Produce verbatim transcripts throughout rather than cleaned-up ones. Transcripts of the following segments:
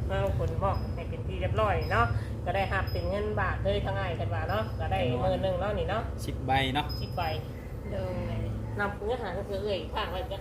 น้องคนบอกให้เป็นที่เรียบร้อยเนาะก็ได้หักเป็นเงินบาทเลยทั้งง่ายกันว่าเนาะก็ได้หมื่นหนึ่งเนาะนี่เนาะสิบใบเนาะสิบใบเดิมเลยนำเนื้อหาก็คือเอ่ยข้างไว้จ้ะ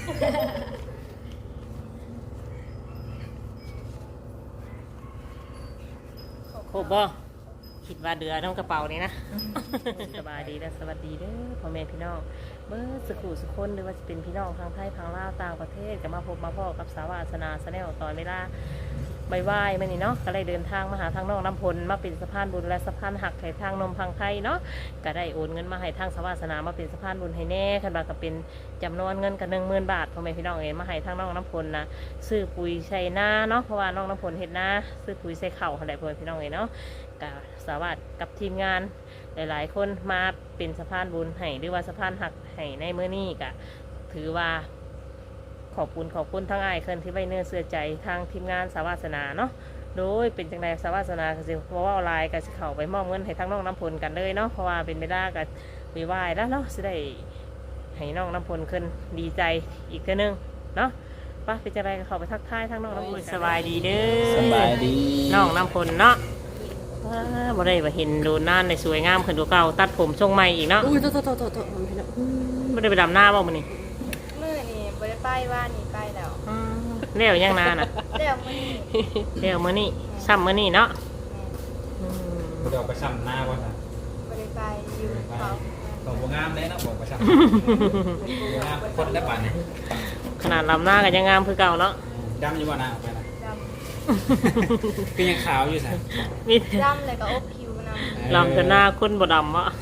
ครบบ่คิดว่าเดือน้องกระเป๋านี่นะสบายดีและสวัสดีเด้อพ่อแม่พี่น้องเมื่อสักครู่สักคนหรือว่าจะเป็นพี่น้องทางไทยทางลาวต่างประเทศก็มาพบมาพ่อกับสาวาสนาแนลตอนเวลาใบไหว้มานี่เนาะก็ได้เดินทางมาหาทางน้องน้ำพลมาเป็นสะพานบุญและสะพานหักให้ทางนมพังไทยเนาะก็ได้โอนเงินมาให้ทางสาวาสนามาเป็นสะพานบุญให้แน่คันว่าก็เป็นจำนวนเงินกันหนึ่งหมื่นบาทพ่อแม่พี่น้องเองมาให้ทางน้องน้ำพลนะซื้อปุ๋ยใส่หน้าเนาะเพราะว่าน้องน้ำพลเห็ดหน้าซื้อปุ๋ยใส่เข่าอะไรพ่อแม่พี่น้องเองเนาะกับสาวาสกับทีมงานหลายๆคนมาเป็นสะพานบุญให้หรือว่าสะพานหักให้ในเมื่อนี้ก็ถือว่าขอบคุณขอบคุณทั้งอ้ายเคินที่ไว้เนื้อเสื่อใจทางทีมงานสาวาสนาเนาะโดยเป็นจังไดสาวาสนาก็สิเพราะว่าออนไลน์ก็สิเข้าไปมอบเงินให้ทั้งน้องน้ำพลกันเลยเนาะเพราะว่าเป็นเวลาก็วิวายแล้วเนาะสิได้ให้น้องน้ำพลขึ้นดีใจอีกเท่านึงเนาะป้าเป็นจังไดก็เข้าไปทักทายทั้งน้องน้ำพลสบายดีเด้อสบายดีน้องน้ำพลเนาะบ่ได้ว่าเห็นดูน่านในสวยงามขึ้นดูเก่าตัดผมทรงใหม่อีกเนาะอุ้ยโตโตโตโตโตพี่น้องบ่ได้ไปดำหน้าบ่มื้อนี้มื้อนี้บ่ได้ไปว่านี่ไปแล้วแล้วยังนานน่ะแล้วมื้อนี้แล้วมื้อนี้ซ้ำมื้อนี้เนาะเดี๋ยวไปซ้ำหน้าก่อนนะบ่ได้ไปอยู่เขาของบ่งามเลยเนาะบอกไปซ้ำบ่งามคนได้ป่านนี่ขนาดลำหน้าก็ยังงามคือเก่าเนาะดำอยู่บ่หน้าออกไปนะดำคือยังขาวอยู่ซะมีดำเลยก็อบผิวนำลำจนหน้าคนบ่ดำอ่ะ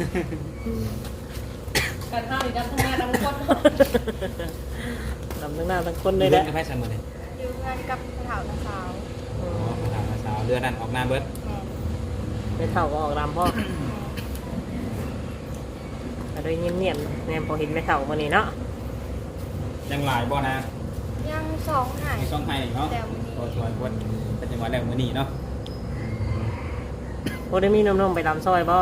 กันเฮานี่ดำทั้งหน้าทั้งคนดำทั้งหน้าทั้งคนเลยแหละไปซ้ำมื้อนี้อยู่งานกับสาวสาวอ๋อสาวเดือนนั้นออกหน้าเบิดไม่เท่าก็ออกดำพ่อแต่โดยเงียบๆเนี่ยพอเห็นไม่เท่ามื้อนี้เนาะยังหลายบ่นะยังสองหายสองหายเนาะตัวชวนคนเป็นจังหวะแล้วมื้อนี้เนาะบ่ได้มีนมๆไปดำซอยบ่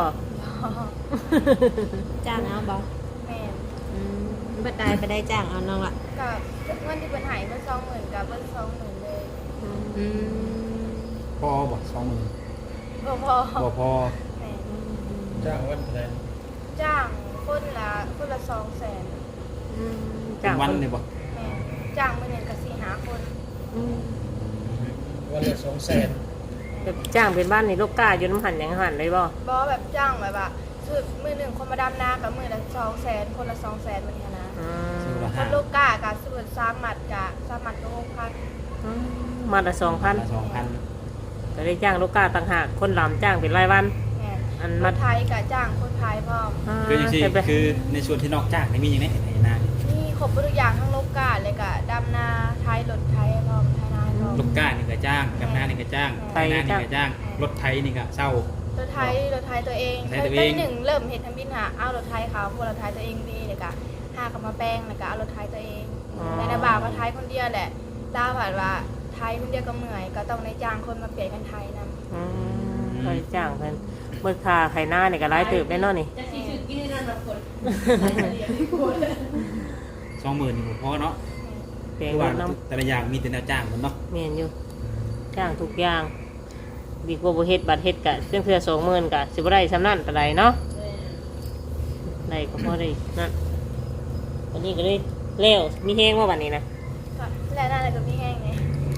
จ้างเอาบ่แม่อืมบัดใดไปได้จ้างเอาน้องล่ะก็เงินที่เพิ่นให้เพิ่นสองหมื่นกับเพิ่นสองหมื่นเลยอืมพอบ่สองหมื่นบ่พอบ่พอแม่จ้างวันเท่าไหร่จ้างคนละคนละสองแสนอืมจ้างวันนี่บ่แม่จ้างมื้อนึงก็สี่ห้าคนอืมวันละสองแสนแบบจ้างเป็นบ้านในลูกกาอยู่น้ำหันยังหันเลยบ่บ่แบบจ้างแบบว่าคือมื้อนึงคนมาดำนากับมื้อละสองแสนคนละสองแสนมื้อนี้นะคนลูกกาก็สมมุติสามมัดก็สามมัดก็หกพันอืมมัดละ สองพันสองพันก็ได้จ้างลูกกาต่างหากคนลำจ้างเป็นรายวันอันมาไทยกับจ้างคนไทยพร้อมคืออย่างที่คือในส่วนที่นอกจ้างนี่มีอย่างไรไหนนานี่ครบทุกอย่างทั้งลูกกาเลยกับดำนาไทยรถไทยพร้อมไทยนาพร้อมลูกกานี่ก็จ้างดำนานี่ก็จ้างไทยนานี่ก็จ้างรถไทยนี่ก็เช่ารถไทยรถไทยตัวเองตอนหนึ่งเริ่มเห็นทำบินหาเอารถไทยเขาพวกรถไทยตัวเองดีเลยกะห้ากับมาแป้งเลยกะเอารถไทยตัวเองในนาบ่าวมาไทยคนเดียวแหละดาวผ่านว่าไทยคนเดียวก็เหนื่อยก็ต้องในจ้างคนมาเปลี่ยนกันไทยนำไทยจ้างกันเมื่อคาไข่หน้าเนี่ยก็ไล่เติบได้นอนนี่สองหมื่นพอเนาะเปลี่ยนน้ำแต่ละอย่างมีแต่แนวจ้างมันเนาะเมียนอยู่จ้างทุกอย่างดีกว่าบุเฮ็ดบัตรเฮ็ดกะเพื่อนเพื่อสองหมื่นกะสิบได้สำนั่นอะไรเนาะได้ก็พอได้นั่นวันนี้ก็เลยเลี้ยวมีแห้งว่าวันนี้นะแล้วน่าจะก็มีแห้งไง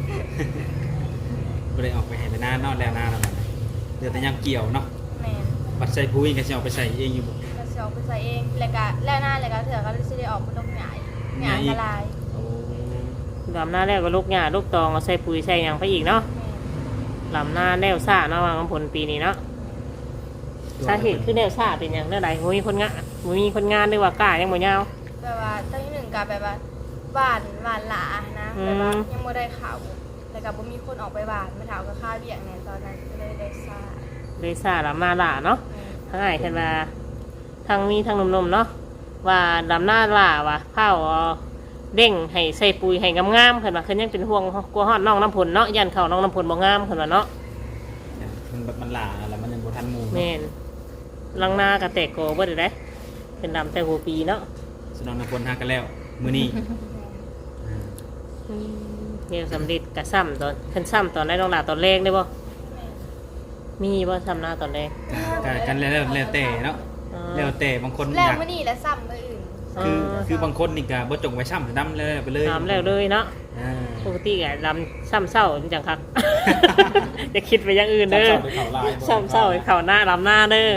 ก็เลยออกไปเห็นแต่หน้านอนแล้วหน้าแล้วเดี๋ยวแต่ยังเกี่ยวเนาะบัดใส่ปุ๋ยก็จะเอาไปใส่เองอยู่บ่ก็จะเอาไปใส่เองแล้วก็แล้วหน้าแล้วก็เถื่อก็จะได้ออกมาลงหงายหงายละลายลำหน้าแล้วก็ลูกหญ้าลูกตองเอาใส่ปุ๋ยใส่ยังไปอีกเนาะลำหน้าแนวซ่าเนาะวางผลปีนี้เนาะสาเหตุคือแนวซ่าเป็นอย่างเรื่องใดมีคนงานมีคนงานด้วยว่ากล้ายังบ่ยาวแบบว่าตั้งที่หนึ่งกับแบบว่าบ้านบ้านหลานะแบบว่ายังไม่ได้ข่าวแต่กับว่ามีคนออกไปบ้านไม่ถามก็ค่าเบี้ยเนี่ยตอนนั้นก็เลยได้ซ่าได้ซ่าลำหน้าหล่าเนาะทั้งไงกันว่าทั้งมีทั้งนมๆเนาะว่าลำหน้าหล่าว่ะข้าวเด้งให้ใส่ปุ๋ยให้งามๆขึ้นมาขึ้นยังเป็นห่วงกลัวฮอดน้องน้ำผลเนาะยันเข่าน้องน้ำผลบ่งามขึ้นมาเนาะมันแบบมันหล่าแล้วมันยังบ่ทันหมู่แม่นลังหน้ากระแตกโกบ่ได้ได้เป็นดำแต่หัวปีเนาะสนองน้ำผลหากันแล้วมื้อนี้เดี๋ยวสำเร็จกะซ้ำตอนคันซ้ำตอนได้น้องหลาตอนแรกได้บ่แม่นมีบ่ซ้ำหน้าตอนแรกกันกันแล้วแล้วแต่เนาะอ๋อแล้วแต่บางคนแล้อวยากมื้อนี้และซ้ำมื้ออื่นคือคือบางคนนี่ก็บ่จงไว้ซ้ำดำเลยไปเลยถามแล้วเลยเนาะอ่าปกติก็ลำซ้ำเศร้าจังคัก จะคิดไปอย่างอื่นเด้อซ้ำเศร้าไปเขาลายบ่ซ้ำเศร้าไปเข่าหน้าลำหน้าเด้อ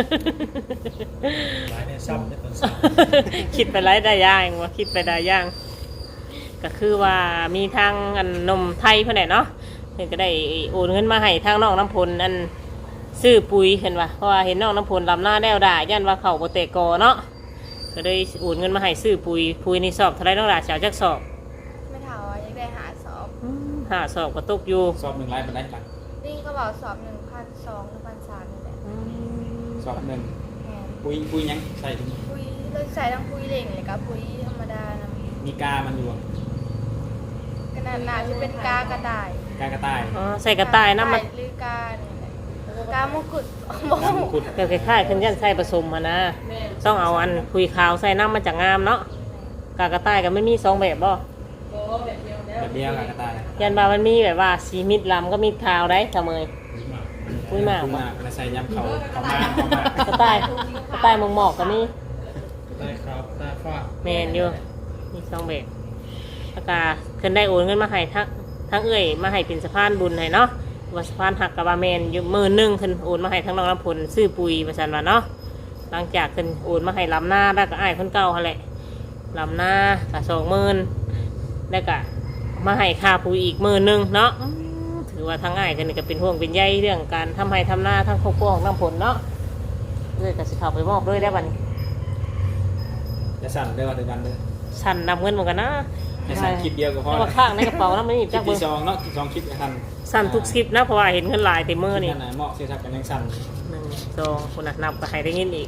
หลายเนี่ยซ้ำในคนซ้คิดไปไรได้ย่างว่าคิดไปได้ย่าง ก็คือว่ามีทางอันนมไทยเพื่อนแหละเนาะเพิ่นก็ได้โอนเงินมาให้ทางน้องน้ำพลอันซื้อปุ๋ยเห็นว่าเพราะว่าเห็นน้องน้ำพลลำหน้าแนวด่าย่านว่าเขาโบเตกอเนาะก็ได้โอนเงินมาให้ซื้อปุ๋ยปุ๋ยในสอบเท่าไรน้องด่าสาวจักสอบไม่เท่าว่ายังได้หาสอบหาสอบก็ตกอยู่ำสอบหนึ่งไลฟ์เป็นไรหลังนี่ก็บอกสอบหนึ่งพันสองหรือพันสามนี่แหละสอบหนึ่งแม่นปุยปุยยังใส่ถุงปุยเลือกใส่ทั้งปุยเหล่งเลยกับปุยธรรมดานะมีกามันอยู่อะขนาดหนาจะเป็นกากระต่ายกากระต่ายอ๋อใส่กระต่ายน้ำมันหรือกาเนี่ยแหละกามงกุฎมน้ำมังคุดเกี่ยวกับค่ายๆขึ้นยันใส่ผสมมานะต้องเอาอันคุยขาวใส่น้ำมันจากงามเนาะกากระต่ายก็ไม่มีสองแบบบ่แบบเดียวกากระต่ายยันบามันมีแบบว่าสีมิดลำก็มีขาวได้เสมอ ปุ้ยหมากปุ้ยหมากแล้วใส่ยำเขาเขามาเขามากระต่ายกระต่ายหมองหมอกก็มีได้ครับได้ฟ้าแมนอยู่มีสองแบบแล้วก็ขึ้นได้โอนเงินมาให้ทั้งทั้งเอ่ยมาให้เป็นสะพานบุญให้เนาะว่าสะพานหักกับบาแมนอยู่หมื่นหนึ่งขึ้นโอนมาให้ทั้งน้องน้ำผลซื้อปุ๋ยประชันว่าเนาะหลังจากขึ้นโอนมาให้ลำหน้าแล้วก็อ้ายคนเก่าหั่นแหละลำหน้าก็สองหมื่นแล้วก็มาให้ค่าปุ๋ยอีกหมื่นหนึ่งเนาะอืมถือว่าทั้งอ้ายกันนี่ก็เป็นห่วงเป็นใยเรื่องการทำให้ทำหน้าทั้งครอบครัวของน้ำผลเนาะเลยก็สิเข้าไปมอบด้วยได้บัดนี้จะสั่นเด้อว่าเดียวกันเด้อสั่นนำเงินเหมือนกันนะจะสั่นคลิปเดียวก็พอแล้วก็ข้างในกระเป๋านะไม่มีคลิจัปกเบอที่ร์สองเนาะสองคลิปทันสั่นทุกคลิปนะเพราะว่าเห็นเงินหลายเต็มมือนี่คลิปไหนเหมาะเสียทักกันยังสั่นหนึ่งสองคนน่ะนับก็ให้ได้เงินอีก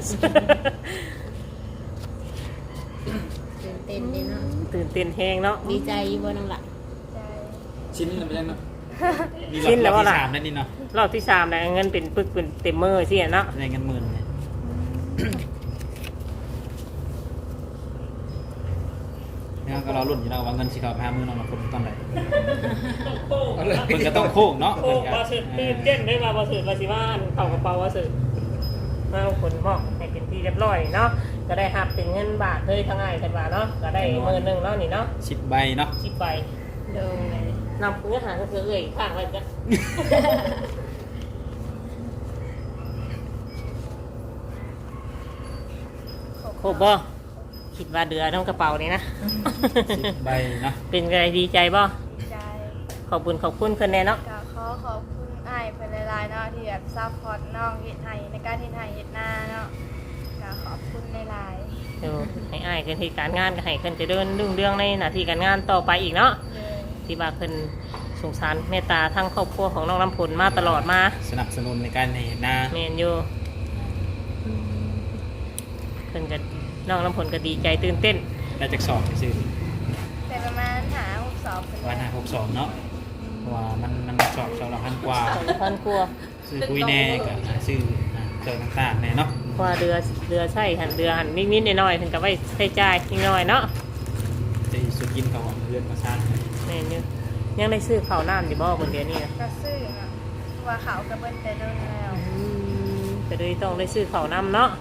ตื่นเต้นดีเนาะตื่นเต้นแฮงเนาะดีใจอยู่บ่น้องละใจชิ้นแล้วมันยังเนาะมีชิ้นแล้วว่าที่ล่ะสามนั่นนี่เนาะรอบที่สามแล้วเงินเป็นปึกเป็นเต็มมือสิเนาะได้เงินหมื่นเนี่ยงั้นก็รอรุ่นอยู่แล้วว่าเงินสิเขาพามือน้องมาคนตอนไหนเพิ่นก็ต้องโค้งเนาะโอ้เพิ่นก็บอสืตื่นเต้นได้มาบอสืบาสิว่าเข่ากระเป๋าบอสืมาเอาคนมอบให้เป็นที่เรียบร้อยเนาะก็ได้หักเป็นเงินบาทเลยทั้งง่ายกันว่าเนาะก็ได้หมื่นหนึ่งแล้วนี่เนาะสิบใบเนาะชิบไปโดยนำเนื้อหาก็คือเอ่ยข้างไว้จ้ะ ครบบ่คิดว่าเดือน้องกระเป๋านี่นะสิบใบเนาะเป็นไงดีใจบ่ใจขอบคุณขอบคุณเพิ่นแน่เนาะก็ขอขอบคุณอ้ายเพิ่นหลายๆเนาะที่แบบซัพพอร์ตน้องเฮ็ดให้ในการเฮ็ดให้เฮ็ดหน้าเนาะก็ขอบคุณหลายเดี๋ยวให้อ้ายเพิ่นที่การงานก็ให้เพิ่นเจะเดินรุ่งเรื่องในหน้าที่การงานต่อไปอีกเนาะๆเลยที่ว่าเพิ่นสงสารเมตตาทั้งครอบครัวของน้องน้ำผลมาตลอดมาสนับสนุนในการเห็นหน้าแม่นอยู่เพิ่นก็น้องน้ำผลก็ดีใจตื่นเต้นได้จากสอบไปซื้อแต่ประมาณหาหกสอบเพิ่นวันห้าหกสองเนาะเพราะว่ามันมันสอบสอบละพันกว่าสองพันกว่าซื้อปุ้ยแน่กับซื้ออ่าเครื่องต่างๆแน่เนาะเพราะว่าเรือเรือใช่หันเรือหันนิดๆหน่อยๆเพิ่นก็ไว้ใช้จ่ายนิดหน่อยเนาะจะสุดกินเขาของเรือนมาสร้างแม่นอยู่ยังได้ซื้อข้าวน้ำอยู่บ่บนเดือนนี้นะก็ซื้อเนาะว่าเขาก็เบิ่นแต่โดนแล้วก็เลยต้องได้ซื้อข้าวน้ำเนาะ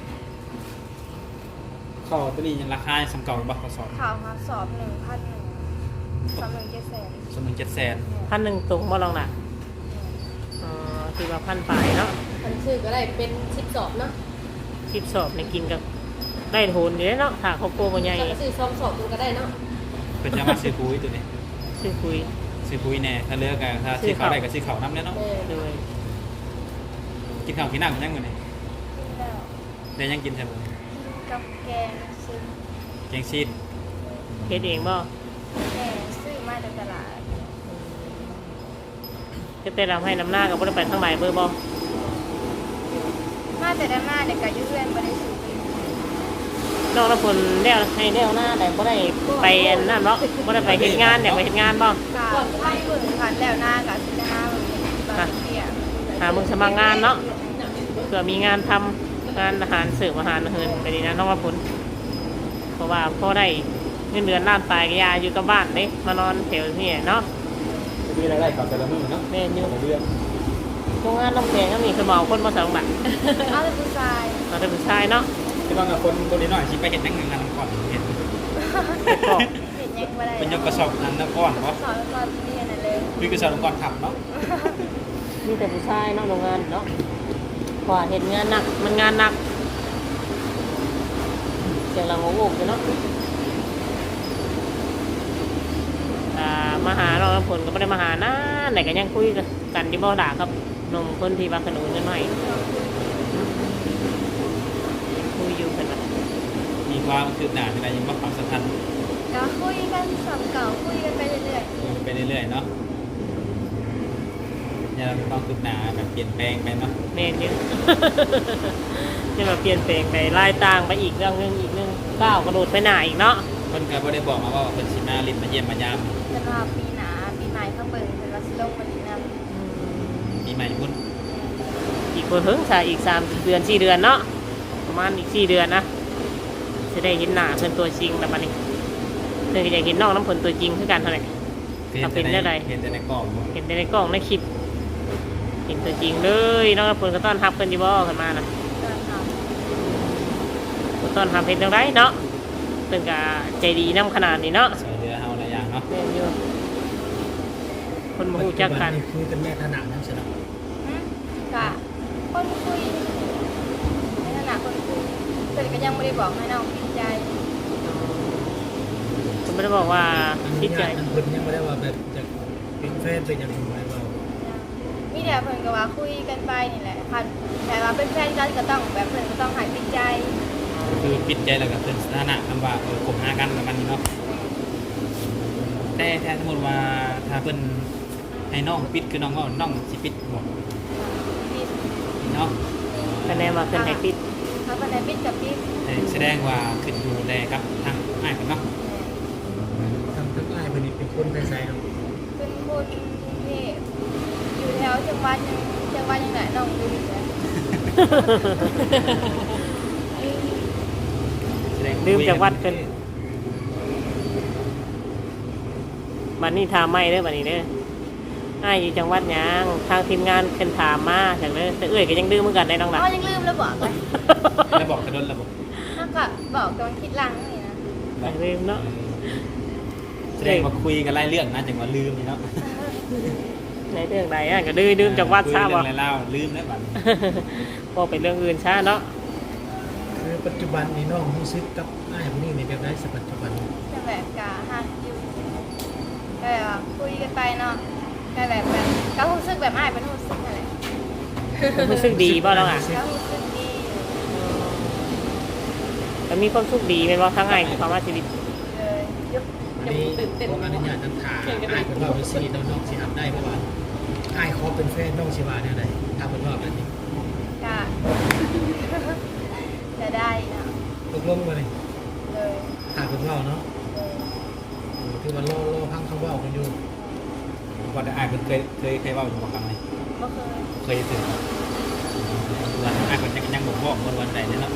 ข้อตัวนี้ยังราคาสำเก่าบักข้อสอบเขามาสอบหนึ่งพันหนึ่งสอบหนึ่งเจ็ดแสนสมมุติเจ็ดแสนพันหนึ่งตรงบ่ลองน่ะอ๋อคือว่าพันปลายเนาะคันชื่อก็ได้เป็นสิบสอบเนาะสิบสอบในกินกับได้โหนอยู่แล้วเนาะถ้าครอบครัวบ่ใหญ่ถ้าซื้อสองสอบมันก็ได้เนาะเป็นจะมาซื้อปุ้ยตัวนี้ซื้อคุยซื้อปุ้ยแน่ถ้าเลือกกันถ้าซื้อเขาได้ก็ซื้อเขาน้ำเนี่ยเนาะเออเลยกินข้าวกินน้ำกันยังไงเนี่ยแล้วได้ยังกินใช่ไหมกับแกงซื้อแกงซีนเฮ็ดเองบ่แม่ซื้อมาจากตลาดจะแต่เราให้น้ำหน้ากับบ่ได้ไปทางไหนเบอร์บ่มาแต่ได้มาเด็กก็อยุ่เพื่อนบ่ได้ซื้อน้องละคนแล้วให้แล้วหน้าแต่บ่ได้ไปอันนั่นเนาะบ่ได้ไปเฮ็ดงานเนี่ยไปเฮ็ดงานบ่กาให้เบิ่งคันแล้วหน้ากับสิจะหาเบิ่งตอนเที่ยงหามึงสมัครงานเนาะเผื่อมีงานทำงานอาหารเสิร์ฟอาหารเฮินไปดีนะน้องละคนเพราะว่าพอได้เงินเดือนล้านปลายก็ยาอยู่กับบ้านเด้มานอนแถวนี่เนาะมีรายได้กับแต่ละมื้อเนาะแม่นอยู่แต่ละเรื่องโรงงานน้ำแข็งก็มีคือเมาคนมาสองบาทเอาแต่ผู้ชายเราได้ผู้ชายเนาะที่ว่ากับคนคนนี้หน่อยสิไปเฮ็ดจังงานก่อนเฮ็ดแต่ก็เห็นยังบ่ได้เป็นยกกระสอบนั้นก่อนบ่สอนตอนเรียนน่ะเลยคือกระสอบก่อนขับเนาะมีแต่ผู้ชายเนาะโรงงานเนาะกว่าเห็นงานหนักมันงานหนักเสียงเราโง่โง่อยู่เนาะอ่ามาหาเราผลก็ไม่ได้มาหานะไหนก็ยังคุยกันที่บ่อด่าครับหนุ่มคนที่บางขนุนนิดหน่อยคุยอยู่กันนะมีความคืบหน้าที่ใดยังบ่ความสำคัญก็คุยกันสำเก่าคุยกันไปเรื่อยไปเรื่อยๆเนาะเนี่ยเรามีความคืบหน้าแบบเปลี่ยนแปลงไปเนาะเมนเยอะ จะมาเปลี่ยนแปลงไปไล่ต่างไปอีกเรื่องหนึงอีกเรื่องก้าวกระโดดไปหน้าอีกเนาะเพิ่นก็บ่ได้บอกมาว่าเพิ่นสิมาลิ้นมาเยี่ยมมายามๆแต่ว่าปีหน้าปีใหม่ข้างเบิ่งเพิ่นว่าสิลงมาดีนำปีใหม่พุ่นอีกคนเพิ่งใช่อีกสามเดือนสี่เดือนเนาะประมาณอีกสี่เดือนนะจะได้เห็นหน้าเพิ่นตัวจริงแล้วบัดนี้เพิ่นก็อยากเห็นน้องน้ำผลตัวจริงคือกันเท่าไหร่เห็นแต่เป็นได้ใดเห็นแต่ในกล่องบ่เห็นแต่ในกล้องในคลิปเห็นตัวจริงเลยน้องน้ำผลก็ต้อนรับเพิ่นอยู่บ่ขึ้นมานะตอนทำก็ต้อนรับเห็นจังไดเนาะเพิ่นก็ใจดีนํขนาดนี้เนาะสวยเรือเฮาหลายอย่างเนาะแม่นอยู่คนมาฮู้จักกันคุยกันแม่ขนาดนั้นใช่ไหมอืมก็คนคุยในฐานะคนคุยเพิ่นก็ยังบ่ได้บอกให้น้องปิดใจผมไม่ได้บอกว่าอันคินี้ดใจอันคนยังไม่ได้ว่าแบบจะเป็นแฟนเป็นอย่างไรเรามีแต่เพิ่นก็ว่าคุยกันไปนี่แหละคันแต่ว่าเป็นแฟนกันก็ต้องแบบเพิ่นก็ต้องให้ปิดใจคือปิดใจแล้วก็เป็นสถานะคำว่าเออคบหากันประมาณนี้เนาะแต่ถ้าสมมุติว่าถ้าเพิ่นให้น้องปิดคือน้องก็น้องสิปิดบ่ปิดเนาะคะแนนมาขึ้นให้ปิดถ้าเพิ่นให้ปิดก็ปิดแต่แสดงว่าขึ้นอยู่แลกับทางอ้ายเพิ่นเนาะทำทั้งอ้ายเป็นเป็นคนใส่ๆเนาะเป็นคนกรุงเทพอยู่แถวจังหวัดยังจังหวัดยังไหนน้องดูอยู่เลยแสดงลืมจากวัดกันบัดนี้ถามไม่เด้อบัดนี้เด้ออ้ายอยู่จังหวัดหยังทางทีมงานเพิ่นถามมาจากเด้อแต่เอ้ยก็ยังดื้อเหมือนกันได้น้องหล่ะอ๋อยังลืมแล้วบอกเลยแล้วบอกกระโดนระบบถ้าก็บอกตอนคิดหลังนี่นะยังลืมเนาะแสดงว่าคุยกันหลายเรื่องนะจังว่าลืมนี่เนาะในเรื่องใดอ่ะก็ดื้อดื้อจากวัดซะบ่คุยเรื่องอะไรเล่าลืมแล้วบัดพอเป็นเรื่องอื่นซะเนาะคือปัจจุบันนี่น้องรู้สึกกับอ้ายคนนี้ในแบบได้สักปัจจุบันจะแบบกะหักอยู่ก็แบบว่าคุยกันไปเนาะก็แบบแบบก็รู้สึกแบบอ้ายเป็นรู้สึกอะไรรู้สึกดีบ่น้องอ่ะก็รู้สึกดีอยู่แล้วมีความสุขดีแม่นบ่ทั้งอ้ายคือความว่าชีวิตเลยยุบอันนี้ขออนุญาตนำถามอ้ายคนว่าไปซีน้องน้องสิทำได้เพราะว่าอ้ายเขาเป็นแฟนน้องสิว่าแนวใดถ้าเป็นว่าแบบนี้กะ จะได้เนาะตกลงมาเลยเลยถ้าเป็นว่าเนาะเลยคือว่าล่อล่อพังคำว่ากันอยู่ก่อนจะอ้ายเพิ่นเคยเคยเคยเว้าอยู่บ่ครั้งไหนก็เคยเคยถึงว่าอ้ายเพิ่นยังยังบ่บอกวันวันใดเนาะ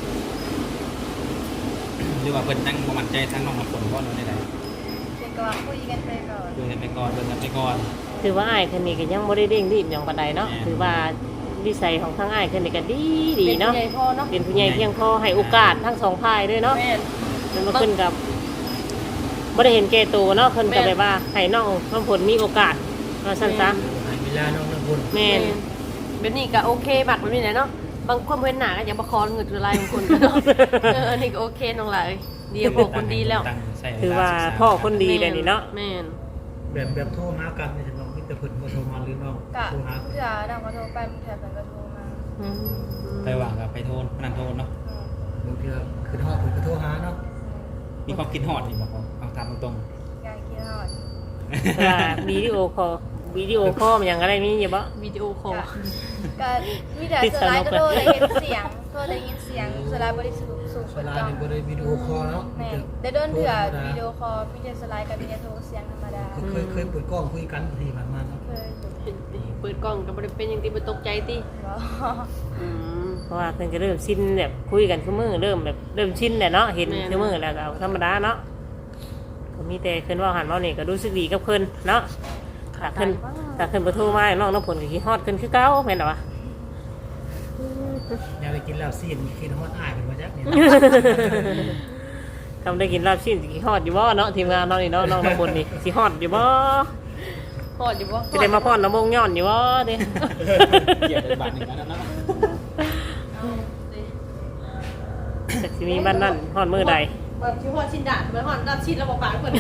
หรือว่าเพิ่นยังบ่มั่นใจทางน้องน้ำฝนบ่หรือใดเป็นก็ว่าคุยกันไปก่อนๆดูกันไปก่อนเบิ่งกันไปก่อนถือว่าอ้ายคนนี้ก็ยังบ่ได้เร่งรีบหยังปานใดเนาะแม่นถือว่าวิสัยของทั้งอ้ายคนนี้ก็ดีดีเป็นเนาะผู้ใหญ่พอเนาะเป็นผู้ใหญ่เพียงพอให้โอกาสทั้งสองฝ่ายด้วยเนาะแม่นมันมาขึ้นกับบ่ได้เห็นแก่ตัวเนาะเพิ่นก็แม่นแบบว่าให้น้องน้ำผลมีโอกาสว่าซั่นซะให้เวลาน้องน้ำบนแม่นเป็นนี่ก็โอเคบักมันมีไหนเนาะบางคนเว้นหนาก็อย่าประคองเงินจุลายบางคนก็เนาะเอออันนี้ก็โอเคน้องหลายเดียวบอกคนดีแล้วตั้งใส่เวลถือว่าศึกษพ่อคนดีเลยนี่เนาะแม่นแบบแบบโทรหากันในน้องมิตรเพิ่นบ่โทรมาหรือน้องกะโทรหาเพื่อดังก็โทรไปเพื่อเพิ่นก็โทรมาอืมไปว่างกับไปโทษพนันโทษเนาะอืมบางทีก็คือทอดเพิ่นก็โทรหาเนาะมีความคิดฮอดนี่บอกว่าเอาตามตรงอยากกินฮอดแต่ว่าวิดีโอคอลวิดีโอคอลมันหยังอะไรมีอยู่บ่วิดีโอคอลก็มีแต่สไลด์ก็โทรได้ยินเสียงโทรได้ยินเสียงสไลด์บริสุทธิ์สูงเวเปิดลากล้องนี่บ่ได้วิดีโอคอลเนาะแม่นได้โดนเถื่อวิดีโอคอลมีแต่สไลด์กับมีแต่โทรเสียงธรรมดาเคยเคยเปิดกล้องคุยกันทีผ่านมาเนาะเคยอยู่เปิดกล้องก็บ่ได้เป็นอย่างที่บ่ตกใจติบ่อืมเพราะว่าเพิ่นก็เริ่มชินแบบคุยกันซุมื้อเริ่มแบบเริ่มชินแหละเนาะเห็นซุมื้อแล้วก็เอาธรรมดาเนาะแมีแต่เพิ่นเว่าหันเว้านี่ก็รู้สึกดีกับเพิ่นเนาะถ้าเพิ่นถ้าเพิ่นบ่โทรมาน้องน้ำผลก็คิดฮอดเพิ่นคือเก่าแม่นบ่วะอยากได้กินแล้วซีนกินฮอดอ้ายเป็นมาจักนี่ทำได้กินลาบชิ้นสิคิดฮอดอยู่บ่เนาะทีมงานน้องนี่เนาะน้องน้ำผลนี่สิฮอดอยู่บ่พอดอยู่บ่สิได้มาพรน้ำมงย้อนอยู่บ่เด้เกี่ยวกับบาทหนึ่งแล้วเนาะจักสิมีบ้านนั่นฮอดมื้อใดแบบที่ฮอดชิ้นดาดเหมือนฮอดรับชิ้นแล้วบ่ปากเพิ่น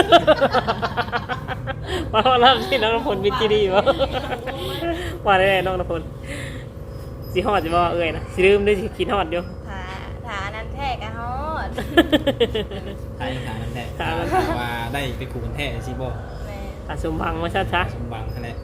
มาฮอดลาบชิ้นน้องน้ำผลวิจิดีบ่ว่าได้น้องน้ำผลสิฮอดอยู่บ่เอ้ยนะสิลืมด้วยสิคิดฮอดอยู่ถ้าถ้าอันนั้นแท้ก็ฮอดใช่ค่ะนั่นแหละถามถามว่าได้ไปขู่กันแท้สิบ่แม่ตาสมบังว่าชัดสมบังนั่นแหละ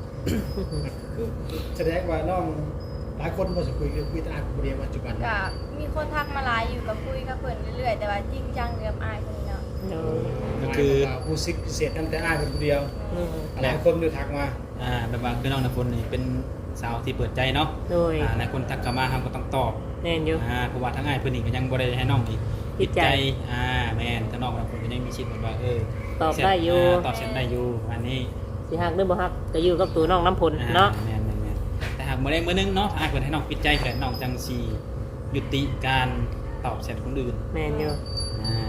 แสดงว่าน้องหลายคนบ่สิคุยคุยแต่อ้ายคนเดียวปัจจุบันก็มีคนทักมาหลายอยู่กับคุยกับเพิ่นเรื่อยๆแต่ว่าจริงจังเรื่องอายคนนี้เนาะๆเนาะก็คือผู้ซิกพิเศษตั้งแต่อ้ายเป็นคนเดียวอืมหลายคนดูทักมาอ่าแบบว่าคือน้องนภพลนี่เป็นสาวที่เปิดใจเนาะโดยอ่าหลายคนทักเข้ามาเฮาก็ต้องตอบแน่นอยู่อ่าเพราะว่าทั้งอ้ายเพิ่นนี่ก็ยังบ่ได้ให้น้องอีกปิดใจอ่าแม่นถ้าน้องนภพลก็ยังมีสิทธิ์แบบว่าเออตอบได้อยู่าตอบเช่นได้อยู่อันนี้สิฮักหรือบ่ฮักก็อยู่กับตัวน้องน้ำผลเนาะอ่แม่นแม่นแม่นแต่หากมื้อใดมื้อหนึงเนาะถ้าอ้ายเพิ่นให้น้องปิดใจแล้วน้องจังสิยุติการตอบแชทคนอื่นแม่นอยู่อ่า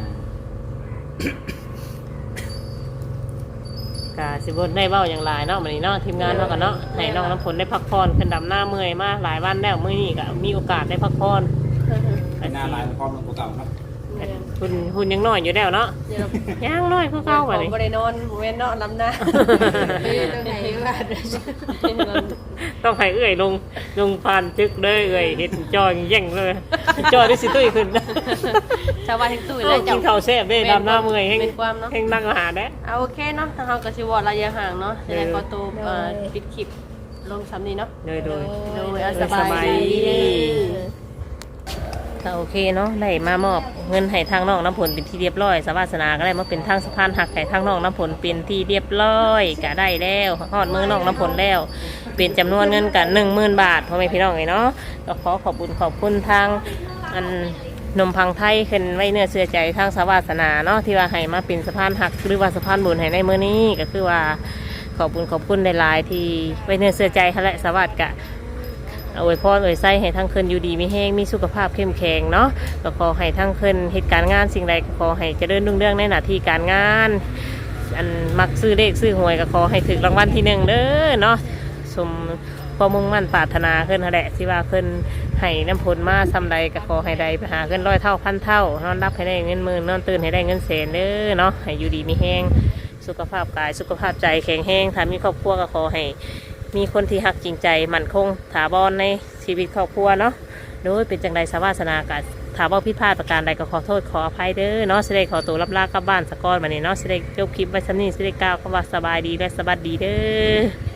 กะสิบ่ได้เว้าอย่างหลายเนาะมื้อนี้เนาะทีมงานเนาะกันเนาะให้น้องน้ำผลได้พักผ่อนขึ้นดำหน้าเมื่อยมาหลายวันแล้วมื้อนี้ก็มีโอกาสได้พักผ่อนไปหน้าลายพร้อมลงกว่าเก่าเนาะหุ่นหุ่นยังน้อยอยู่แล้วเนาะเดี๋ยวเรายังน้อยคือเก่าขบัอดงนี้บ่ได้นอนเว้นเนาะลำหน้าเอ้ยตรงไหนว่าต้องให้เอื้อยลงลงผ่านจึกเด้อเอื้อยเฮ็ดจอยแย่งเลยจอยได้สิตุ้ยขึ้นชาวบ้านทั้งตู้เลเอ้าย กิเจ้านข้าวแซ่บเด้ดำหน้าเมื่อยแฮงเป็นความเนาะแฮงนั่งอาหารเด้เอาโอเคเนาะทางเราก็สิวอดระยะห่างเนาะจะได้ขอตัวเอ่อปิดคลิปลงซ้ำนี้เนาะโดยโดยโดยเอาโดสยสบาบาย ยดีดีก็โอเคเนาะได้มามอบเงินให้ทางน้องน้ำผลเป็นที่เรียบร้อยสวาสนาก็ได้มาเป็นทางสะพานหักให้ทางน้องน้ำผลเป็นที่เรียบร้อยก็ได้แล้วฮอดมือน้องน้ำผลแล้ว เป็นจำนวนเงินกันหนึ่งหมื่นบาทพ่อแม่พี่น้องเลยเนาะก็ขอขอบคุญขอบคุณทางอันนมพังไทยขึ้นไว้เนื้อเชื่อใจทางสวาสนาเนาะที่ว่าให้มาเป็นสะพานหักหรือว่าสะพานบุญให้ในมื้อนี้ก็คือว่าขอบคุญขอบคุณหลายๆที่ไว้เนื้อเชื่อใจเขาและสวัสดิ์กะ เอาไว้พ่อเอาไว้ใส่ให้ทั้งคืนอยู่ดีมีแห้งมีสุขภาพเข้มแข็งเนาะก็ขอให้ทั้งคืนเหตุการณ์งานสิ่งใดก็ขอให้เจริญรุ่งเรืองในหน้าที่การงานอันมักซื้อเลขซื้อหวยก็ขอให้ถึงรางวัลที่หนึ่งเด้อเนาะสมความมุ่งมั่นปรารถนาขึ้นนั่นแหละที่ว่าขึ้นให้น้ำผลมาซ้ำใดก็ขอให้ใดไปหาขึ้นร้อยเท่าพันเท่านอนรับให้ได้เงินหมื่นนอนตื่นให้ได้เงินแสนเด้อเนาะให้อยู่ดีมีแห้งสุขภาพกายสุขภาพใจแข็งแรงถ้ามีครอบครัวก็ขอให้ มีคนที่หักจริงใจมั่นคงถาวรในชีวิตครอบครัวเนาะโดยเป็นจังใดสวาสนากับถามว่าผิดพลาดประการใดก็ขอโทษขออภัยเด้อเนาะสิได้ขอตัวรับลากลับบ้านสะก้อนมาเนี่เนาะสิได้จบคลิปไว้ชั้นนี้สิได้กล่าวคำว่าสบายดีและสวัสดีเด้อ